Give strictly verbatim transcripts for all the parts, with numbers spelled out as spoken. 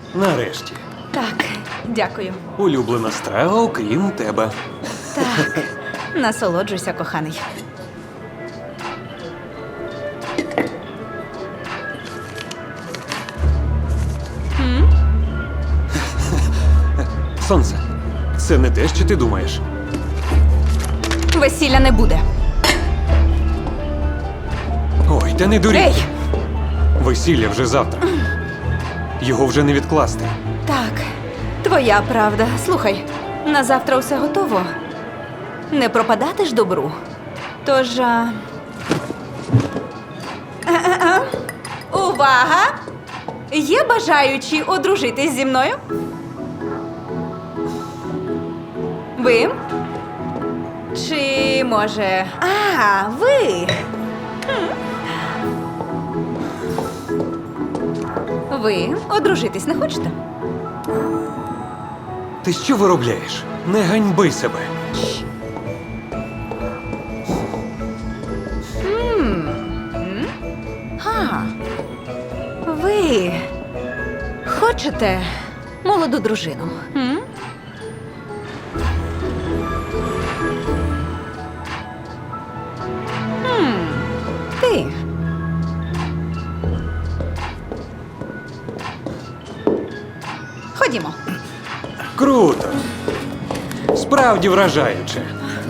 Нарешті. Так, дякую. Улюблена страва, окрім тебе. Так, насолоджуйся, коханий. Сонце, це не те, що ти думаєш. Весілля не буде. Ой, та не дурій. Ей! Весілля вже завтра. Його вже не відкласти. Так, твоя правда. Слухай, на завтра все готово. Не пропадати ж добру. Тож. А... А-а-а. Увага! Є бажаючі одружитись зі мною? Ви? Чи може. А, ви. Хм. Ви одружитись не хочете? Ти що виробляєш? Не ганьби себе. А, ви хочете молоду дружину? М? М, Ти. Ходімо. Круто. Справді вражаюче.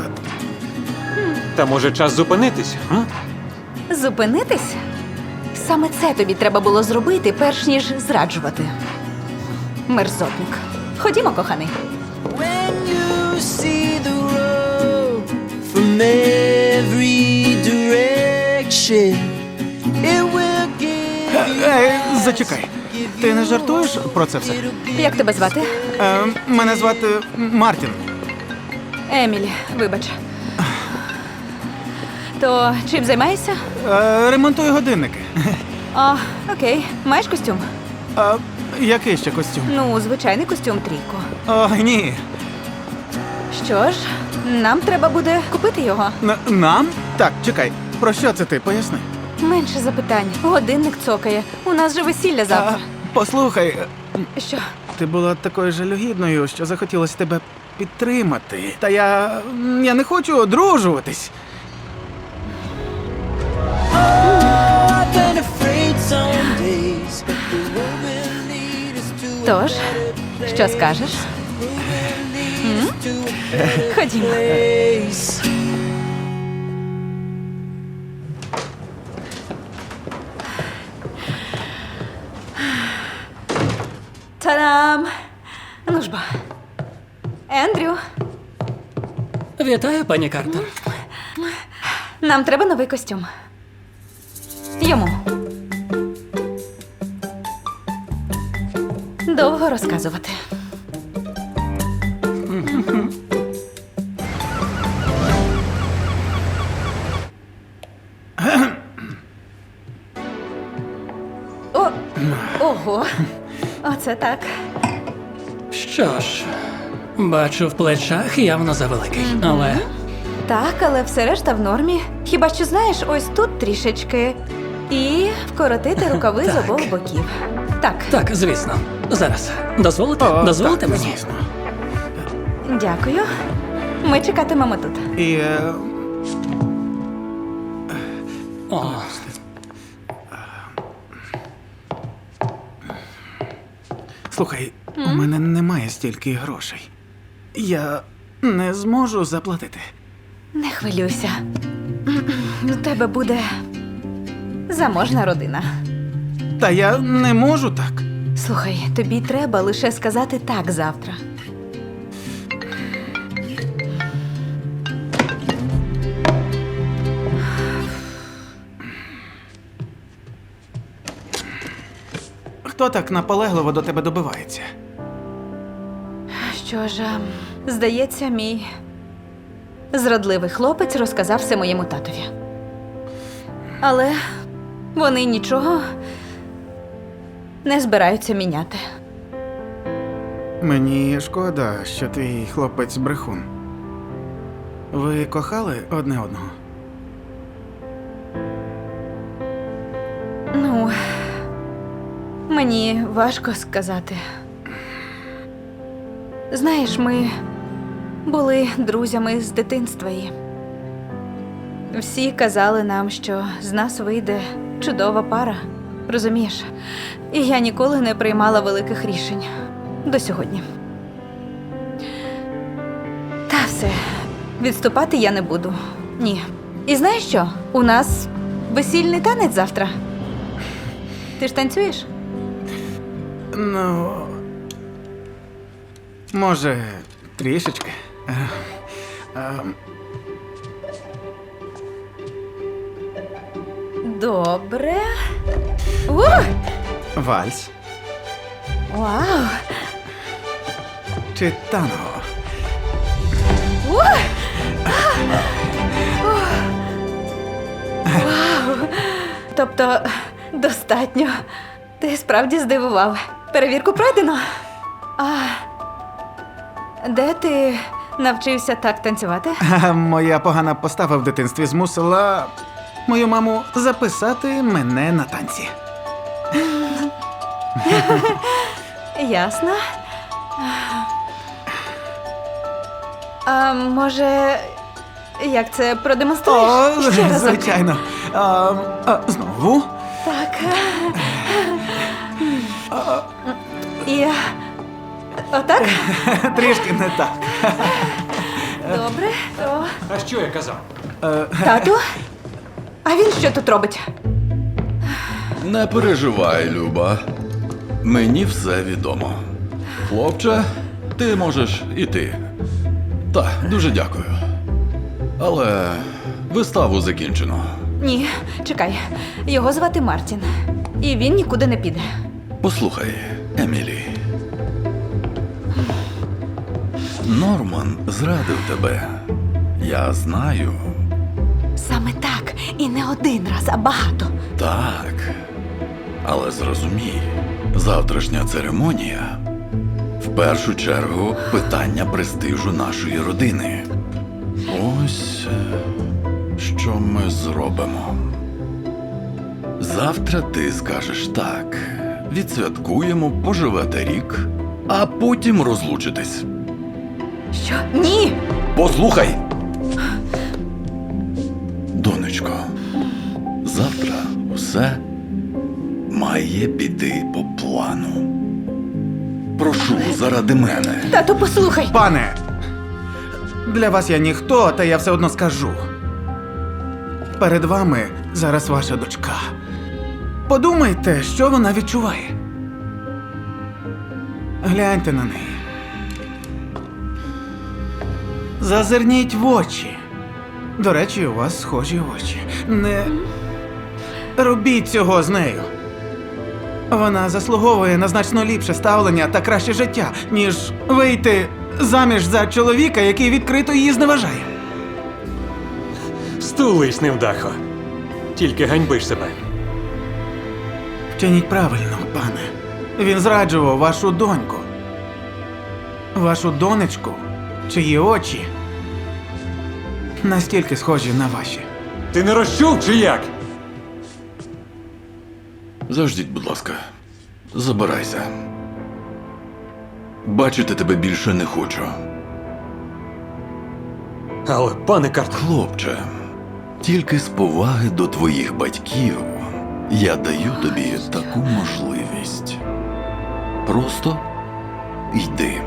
Та може час зупинитись? М? Зупинитись? Саме це тобі треба було зробити, перш ніж зраджувати. Мерзотник. Ходімо, коханий. When you see the road from every direction, it will give you Ей, зачекай. Ти не жартуєш про це все? Як тебе звати? Е, мене звати Мартін. Емілі, вибач. То чим займаєшся? Е, ремонтую годинники. О, окей. Маєш костюм? А який ще костюм? Ну, звичайний костюм трійко. О, ні. Що ж, нам треба буде купити його. Н- нам? Так, чекай. Про що це ти? Поясни. Менше запитань. Годинник цокає. У нас же весілля А, завтра. послухай, е, Що? ти була такою жалюгідною, що захотілося тебе підтримати. Та я. я не хочу одружуватись. I've been afraid some days, but the road will lead us to a Тож, що скажеш? М? Ходімо. place. Та-дам! Ну ж бо. Ендрю, Вітаю, пані Картер. нам треба новий костюм. Йому. Довго розказувати. О, ого. Оце так. Що ж, бачу, в плечах явно завеликий, але Так, але все решта в нормі. Хіба що знаєш, ось тут трішечки. І вкоротити рукави з Так. обох боків. Так, так, звісно. Зараз. Дозволите? О, Дозволите так, мені? звісно. дякую. Ми чекатимемо тут. І. Е, О, слухай, у мене немає стільки грошей. Я не зможу заплатити. Не хвилюйся. У тебе буде заможна родина. Та я не можу так. Слухай, тобі треба лише сказати так завтра. Хто так наполегливо до тебе добивається? Що ж, ем, здається, мій зрадливий хлопець розказав все моєму татові. Але вони нічого не збираються міняти. Мені шкода, що твій хлопець брехун. Ви кохали одне одного? Ну, Мені важко сказати. Знаєш, ми були друзями з дитинства і всі казали нам, що з нас вийде чудова пара. Розумієш? І я ніколи не приймала великих рішень. До сьогодні. Та все. Відступати я не буду. Ні. І знаєш що? У нас весільний танець завтра. Ти ж танцюєш? Ну. Може, трішечки. Е, е, Добре. Ух! Вальс Вау! чи танго? Ух! Ух! Вау! Тобто, достатньо. Ти справді здивував. Перевірку пройдено. А де ти навчився так танцювати? Ха, моя погана постава в дитинстві змусила мою маму записати мене на танці. Ясно. А може, як це продемонструєш? О, Ще разок. звичайно. А, а, знову. Так. І отак? Трішки не так. Добре. О. А що я казав? Тату? А він що тут робить? Не переживай, Люба. Мені все відомо. Хлопче, ти можеш іти. Так, дуже дякую. Але виставу закінчено. Ні, чекай. Його звати Мартін. І він нікуди не піде. Послухай, Емілі. Норман зрадив тебе. Я знаю. Саме так. І не один раз, а багато. Так. Але зрозумій, завтрашня церемонія в першу чергу питання престижу нашої родини. Ось е, що ми зробимо. Завтра ти скажеш так. Відсвяткуємо, поживете рік, а потім розлучитесь. Що? Ні! Послухай! Донечко, завтра усе має піти по плану. Прошу, заради мене. Тату, послухай. Пане, для вас я ніхто, та я все одно скажу. Перед вами зараз ваша дочка. Подумайте, що вона відчуває. Гляньте на неї. Зазирніть в очі. До речі, у вас схожі очі. Не робіть цього з нею. Вона заслуговує на значно ліпше ставлення та краще життя, ніж вийти заміж за чоловіка, який відкрито її зневажає. Стулись, невдахо. Тільки ганьбиш себе. Вчиніть правильно, пане. Він зраджував вашу доньку. Вашу донечку, чиї очі настільки схожі на ваші. Ти не розчув чи як? Заждіть, будь ласка. Забирайся. Бачити тебе більше не хочу. Але, пане Картер, Хлопче, тільки з поваги до твоїх батьків я даю тобі таку можливість. Просто йди.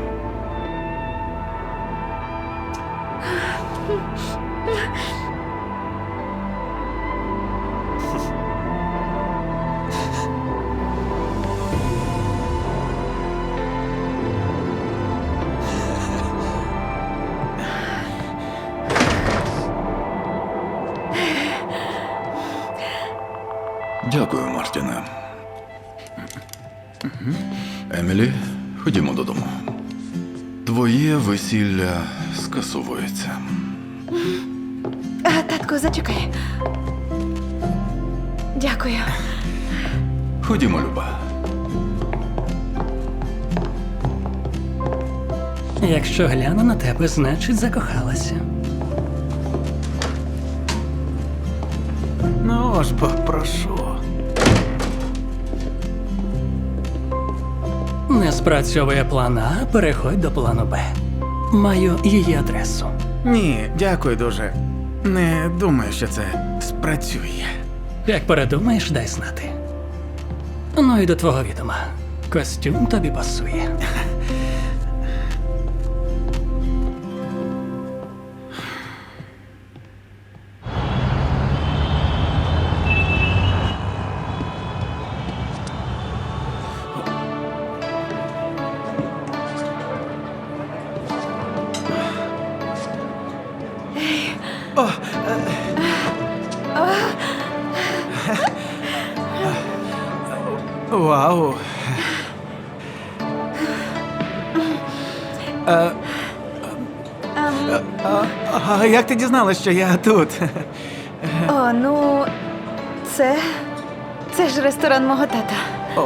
Дякую, Мартіне. Емілі, ходімо додому. Твоє весілля скасовується. А, татку, зачекай. Дякую. Ходімо, Люба. Якщо гляну на тебе, значить закохалася. Ну ж бо, прошу. Не спрацьовує план А, переходь до плану Б. Маю її адресу. Ні, дякую дуже. Не думаю, що це спрацює. Як передумаєш, дай знати. Ну і до твого відома. Костюм тобі пасує. Вау. Е, а, а як ти дізналась, що я тут? О, ну, це. Це ж ресторан мого тата. О.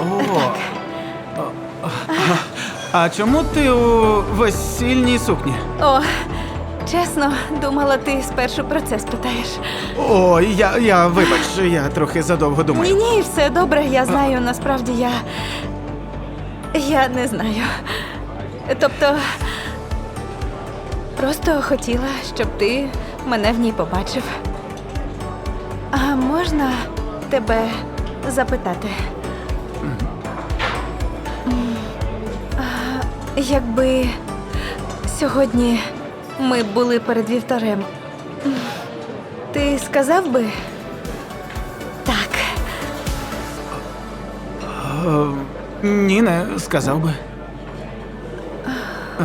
А чому ти у весільній сукні? О, чесно, думала, ти спершу про це спитаєш. Ой, я, я вибач, я трохи задовго Ні, думаю. ні, все добре, я знаю, насправді я. Я не знаю. Тобто. Просто хотіла, щоб ти мене в ній побачив. А можна тебе запитати? М, а, Якби сьогодні ми були перед вівтарем, м, ти сказав би так? Е, ні, не сказав би. Е,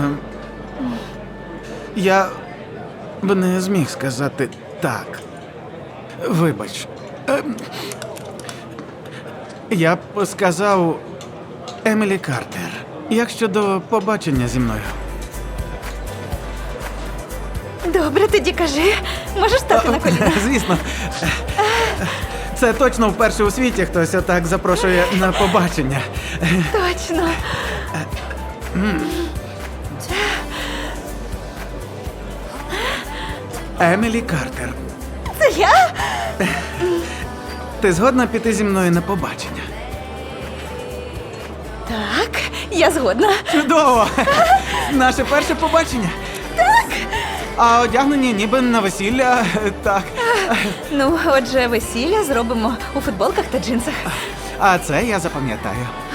я б не зміг сказати так. Вибач. Е, я б сказав Емілі Картер. Як щодо побачення зі мною? Добре, тоді кажи. Можеш стати на коліна? Звісно. Це точно вперше у світі хтось отак запрошує на побачення. Точно. Емілі Картер, Це я? ти згодна піти зі мною на побачення? Так, я згодна. Чудово! Наше перше побачення. Так. А одягнені ніби на весілля. Так. Ну, отже, весілля зробимо у футболках та джинсах. А це я запам'ятаю.